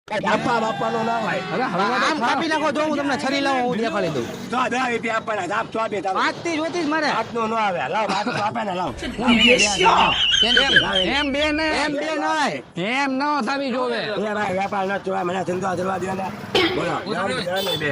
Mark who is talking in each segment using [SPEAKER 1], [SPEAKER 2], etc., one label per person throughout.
[SPEAKER 1] આપવા બાપાનો ના હોય.
[SPEAKER 2] આમ કાપી નાખો જો હું તમને છરી લાવું હું દેખાડી દઉં.
[SPEAKER 1] તો 10 રૂપિયા આપવાના. આપ તો આપે તારો.
[SPEAKER 2] 5 થી જોતી જ મારે.
[SPEAKER 1] આટલો ન આવે. લાવ આપ તો આપે ને લાવ.
[SPEAKER 3] એમ બે ને
[SPEAKER 2] એમ બે નય.
[SPEAKER 3] એમ ન થવી જોવે.
[SPEAKER 1] એ ભાઈ વેપાર ન જોવા મને ધંધો કરવા દો ને. બોલો. બે.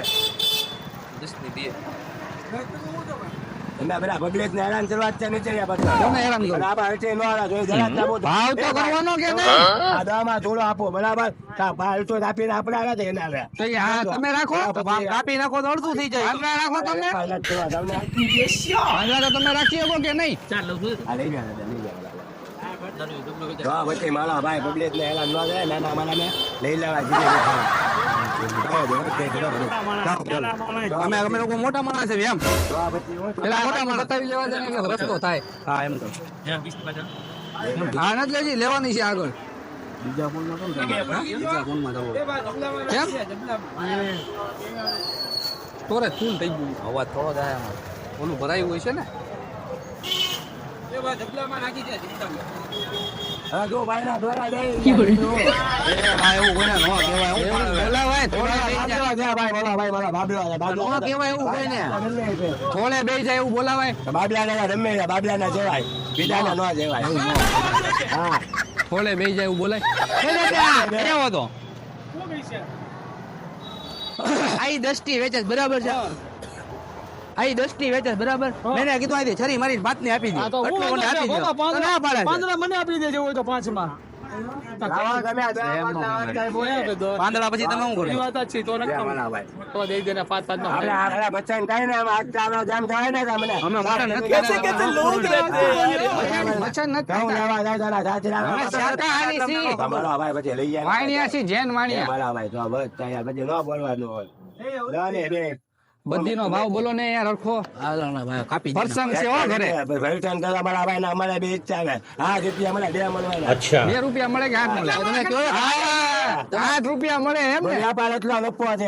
[SPEAKER 1] તમે બધા પબ્લિક ને હેરાન કરવા જ છે નીચે બધા.
[SPEAKER 3] કોને હેરાન કરો?
[SPEAKER 1] બરાબર હશે નો હાલા જોઈ જરા જ આપો.
[SPEAKER 3] ભાવ તો કરવાનો કે નહીં?
[SPEAKER 1] આ દામાં થોડો આપો બરાબર. કા ભાવ તો આપીને આપણે આલા છે એના લે.
[SPEAKER 3] તો એ હા તમે રાખો.
[SPEAKER 2] આમ કાપી નાખો તો અડધું થઈ જાય.
[SPEAKER 3] આપણે રાખો તમે.
[SPEAKER 1] વેપાર નથી કરવા તમને.
[SPEAKER 3] પાંજરા તો તમે રાખી શકો કે નહીં?
[SPEAKER 1] આ લઈ ગયા લઈ ગયા. તો પછી મારા ભાઈ પબ્લિક ને હેરાન ન થાય નાના મારા ને લઈ લેવા જીતે
[SPEAKER 2] અમે લોકો મોટા માણસ છે એમ.
[SPEAKER 3] પેલા મોટા માં બતાવી લેવા દે ને એટલે રસ્તો થાય.
[SPEAKER 2] હા એમ તો.
[SPEAKER 3] હા નથી લેજી લેવાની છે આગળ.
[SPEAKER 1] બીજા ફોન માં
[SPEAKER 2] બીજા ફોનમાં જવું.
[SPEAKER 3] કેમ? તોરે ફૂલ થઈ ગયું.
[SPEAKER 2] અવાજ થોડો જાય આમાં. ઓલું ભરાયું હોય છે ને.
[SPEAKER 1] હા જો ભાઈ ના દ્વારા દે
[SPEAKER 2] હા એવું કોઈને ન કહેવાય. બોલાવાય થોડા બેસી જાય.
[SPEAKER 1] ભાઈ બોલો ભાઈ બોલો બાબલા
[SPEAKER 2] ન કહેવાય એવું કોઈને. થોડે બેસી જાય એવું બોલાવાય.
[SPEAKER 1] બાબલા ના રમે બાબલા ના જવાય બીજા ના ન જવાય હા
[SPEAKER 3] થોડે બેસી જાય એવું બોલાય.
[SPEAKER 2] કેવો તો આઈ 10 થી વેચે છે, બરાબર છે. આઈ 10 થી વેચે છે, બરાબર. મેને કીધું આઈ છરી મારી ભાતને આપી દે. એટલું મને આપી દે. તો ના પાડે છે.
[SPEAKER 4] મને આપી દેજો હોય તો 5 માં
[SPEAKER 1] લાવા ગમે આ
[SPEAKER 2] પાંદડા પછી તમે શું કરો?
[SPEAKER 4] એ વાત જ છે તો નક્કી
[SPEAKER 1] ભાઈ
[SPEAKER 4] તો દઈ દેને 5 5 નો
[SPEAKER 1] આપણે આ બચ્ચાને કાઈ ને આજ ચાલો જામ થાય ને તમને
[SPEAKER 2] અમે મોટા નથી
[SPEAKER 4] कैसे कैसे लोग रहते हैं
[SPEAKER 3] મચ્છર નથી
[SPEAKER 1] કહું
[SPEAKER 3] ખાતા.
[SPEAKER 1] લેવા જાય તારા સાચરા
[SPEAKER 3] અમે શાકાહારી છીએ.
[SPEAKER 1] તમારો ભાઈ પછી લઈ જાય
[SPEAKER 3] વાણિયા છીએ, જૈન વાણિયા.
[SPEAKER 1] મારા ભાઈ તો બસ તૈયાર પછી ન બોલવાનું હોય લાને બે
[SPEAKER 3] બધીનો ભાવ બોલો ને યાર હરખો.
[SPEAKER 2] કાપી દે.
[SPEAKER 3] પ્રસંગ છે હો ઘરે.
[SPEAKER 1] ભરતન કરવા મારા ભાઈ ને અમારે બે ઈચ્છા છે હા રૂપિયા મને બે મળવાના
[SPEAKER 3] 2 રૂપિયા મળે કે 8 મળે?
[SPEAKER 2] તમે કહો
[SPEAKER 3] 8 રૂપિયા મળે એમ ને?
[SPEAKER 1] વ્યાપાર એટલો નફો છે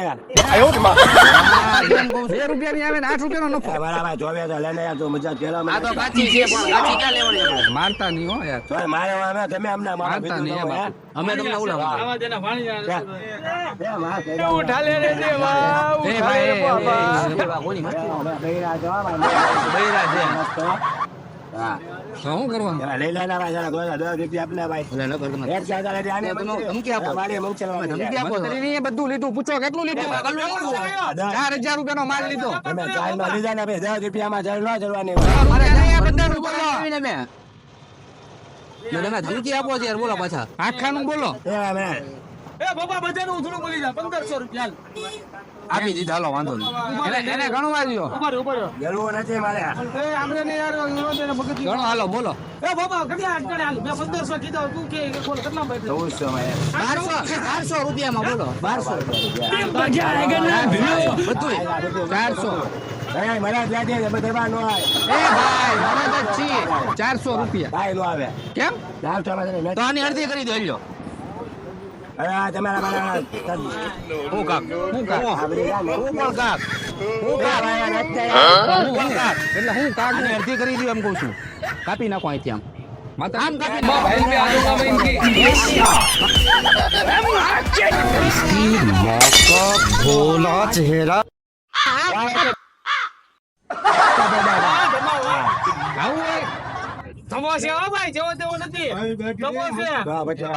[SPEAKER 3] 2 રૂપિયા ની આવે ને 8 રૂપિયા નો નફો.
[SPEAKER 1] મારા ભાઈ જોવે તો લઈને યાર તું મજા કેલા
[SPEAKER 2] આ તો કાચી છે પણ કાચી ક્યાં લેવાની આપણે?
[SPEAKER 3] મારતા નહીં હો યાર.
[SPEAKER 1] તો મારે અમે તમે અમને મારા
[SPEAKER 3] મારતા નહીં
[SPEAKER 1] ભેગું
[SPEAKER 3] બાપુ.
[SPEAKER 2] અમે તમને ઉલાવા.
[SPEAKER 4] આવા દેના વાણિયા
[SPEAKER 1] બે વાત છે
[SPEAKER 4] ઉઠા લે રે દેવા
[SPEAKER 3] એ ભાઈ, એ,
[SPEAKER 2] એવા કોની મસ્તી?
[SPEAKER 1] બૈરા જો
[SPEAKER 2] બૈરા છે.
[SPEAKER 1] હા
[SPEAKER 3] તો શું કરવાનું?
[SPEAKER 1] લઈ લેના ભાઈ જરા 10 રૂપિયા આપને ભાઈ
[SPEAKER 2] એટલે ન કર તમે.
[SPEAKER 1] એક જાગા લે આને
[SPEAKER 2] તમે ધમકી આપો.
[SPEAKER 1] મારી મંચલવા
[SPEAKER 2] ધમકી આપો છો.
[SPEAKER 3] મંત્રીએ બધું લીધું, પૂછો કેટલું લીધું? 4000 રૂપિયાનો માલ લીધો.
[SPEAKER 1] તમે ચાલમાં લીધા ને ભાઈ 10 રૂપિયામાં જળ ન જળવાની
[SPEAKER 2] મારે
[SPEAKER 3] અહીંયા બધાનું બોલો.
[SPEAKER 2] આવીને મેં. ને તમે ધમકી આપો છો યાર, બોલો પાછા.
[SPEAKER 3] આખાનું બોલો.
[SPEAKER 4] એ બાબા બધાનું થોડું બોલી જા 1500 રૂપિયા
[SPEAKER 2] આપી દીધા, હાલો વાંધો નહીં.
[SPEAKER 3] એને ગણવા દ્યો.
[SPEAKER 4] ઉપર
[SPEAKER 1] ગળવું નથી મારે
[SPEAKER 4] એ આપણે ને યાર વિરોધ ને મગજ
[SPEAKER 3] ગણો હાલો બોલો.
[SPEAKER 4] એ બાબા કેટલા અટકણે હાલ મેં 1500 કીધા તું કે બોલ કેટલા ભાઈ
[SPEAKER 1] 1400 માં
[SPEAKER 2] 1200 રૂપિયામાં બોલો. 1200
[SPEAKER 3] બધું 400.
[SPEAKER 1] ભાઈ મને જાજે બધા નો આવે
[SPEAKER 3] એ ભાઈ મદદ જ છીએ. 400 રૂપિયા.
[SPEAKER 1] ભાઈ નો આવે
[SPEAKER 3] કેમ?
[SPEAKER 1] ચાલ તો મને
[SPEAKER 2] તો આની અડધી કરી દો લ્યો.
[SPEAKER 1] અરે આ તમારા મારા
[SPEAKER 2] હું કાક
[SPEAKER 3] હું કાક?
[SPEAKER 1] આ બધી જાને
[SPEAKER 2] હું પણ કાક
[SPEAKER 1] હું ભાઈ આ નથી
[SPEAKER 3] હું કાક? એટલે હું કાક
[SPEAKER 2] આની અડધી કરી દો એમ કહું છું. કાપી નાખો અહીંથી આમ.
[SPEAKER 3] માતા
[SPEAKER 2] આમ કાપી નાખો.
[SPEAKER 3] આવું હોય?
[SPEAKER 4] સમોસે હો ભાઈ જેવો તેવો નથી સમોસે
[SPEAKER 1] હા પછી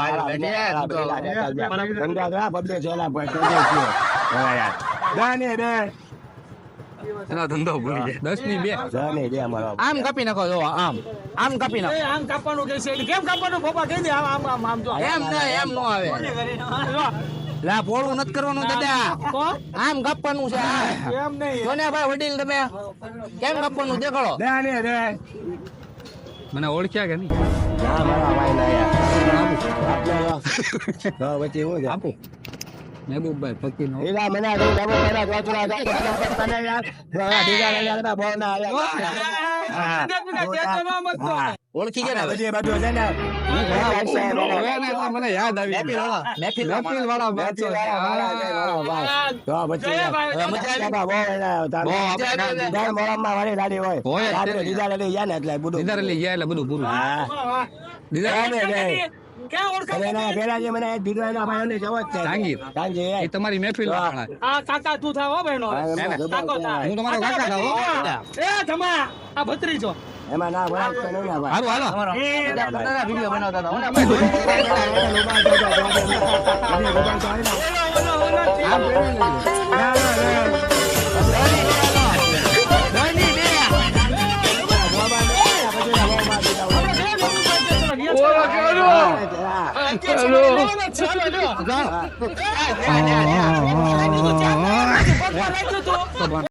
[SPEAKER 1] ધંધા દા બબલે જોલા પર તો છે હા યાર દાને બે
[SPEAKER 2] એનો ધંધો ભૂલી જાય.
[SPEAKER 3] 10 ની 2.
[SPEAKER 1] જાને બે અમારો
[SPEAKER 2] આમ કાપી નાખો જો આમ કાપી નાખો.
[SPEAKER 4] એ આમ કાપવાનું કે છે કેમ કાપવાનું બાબા કહી દે આમ આમ આમ જો
[SPEAKER 2] એમ નો આવે. લા પોળું નથી કરવાનું દાદા.
[SPEAKER 4] કોણ
[SPEAKER 2] આમ કાપવાનું છે.
[SPEAKER 4] એમ નહીં
[SPEAKER 2] જોને ભાઈ વડીલ તમે કેમ કાપવાનું દેખાડો.
[SPEAKER 1] દાને બે
[SPEAKER 3] મને ઓળખ્યા કે નહીં?
[SPEAKER 1] ના મારા ભાઈ ના યાર આપણે હા પછી હું જા
[SPEAKER 3] આપો. મહેબૂબભાઈ ફકીરનો.
[SPEAKER 1] એલા મને આ ડબો પેલા જોતરા તને યાર દીગા યાર બહુ ના યાર
[SPEAKER 2] ઓળખી ગયા ને હવે?
[SPEAKER 1] બધી બધું છે ને
[SPEAKER 3] હવે ને એટલે મને યાદ આવી
[SPEAKER 2] મહેફિલ
[SPEAKER 3] વાળા વાત છે.
[SPEAKER 1] તો પછી
[SPEAKER 2] હવે મજા આવી?
[SPEAKER 1] બહુ દર મોરમમાં વાળી લાડી હોય
[SPEAKER 3] હોય જ.
[SPEAKER 1] રાત્રે દીદા લઈ ગયા ને એટલે બધું
[SPEAKER 3] દીદાર લઈ ગયા એટલે બધું પૂરું.
[SPEAKER 1] હા
[SPEAKER 3] દીદાર
[SPEAKER 1] દાને બે
[SPEAKER 4] ક્યાં ઓળખાણ
[SPEAKER 1] અને એના પેલા જે મને દીધો એના ભાઈઓને જવો જ છે.
[SPEAKER 3] જાંગીર.
[SPEAKER 1] જાંગીર,
[SPEAKER 3] એ તમારી મહેફિલ વાળા.
[SPEAKER 4] આ કાકા તું થાવ હો બહેનો
[SPEAKER 1] હા, એમાં
[SPEAKER 4] કાકો થાય.
[SPEAKER 3] હું તમારો કાકા થાવ, હો.
[SPEAKER 4] એ જમા આ ભત્રીજો
[SPEAKER 1] એમાં ના ભરાય તો નહીં ના ભાઈ.
[SPEAKER 3] હારું હાલો
[SPEAKER 2] વિડીયો બનાવતા હતા
[SPEAKER 4] ઓલો ઓલો
[SPEAKER 3] જાઓ.
[SPEAKER 4] ભગવાન રાખ્યું તું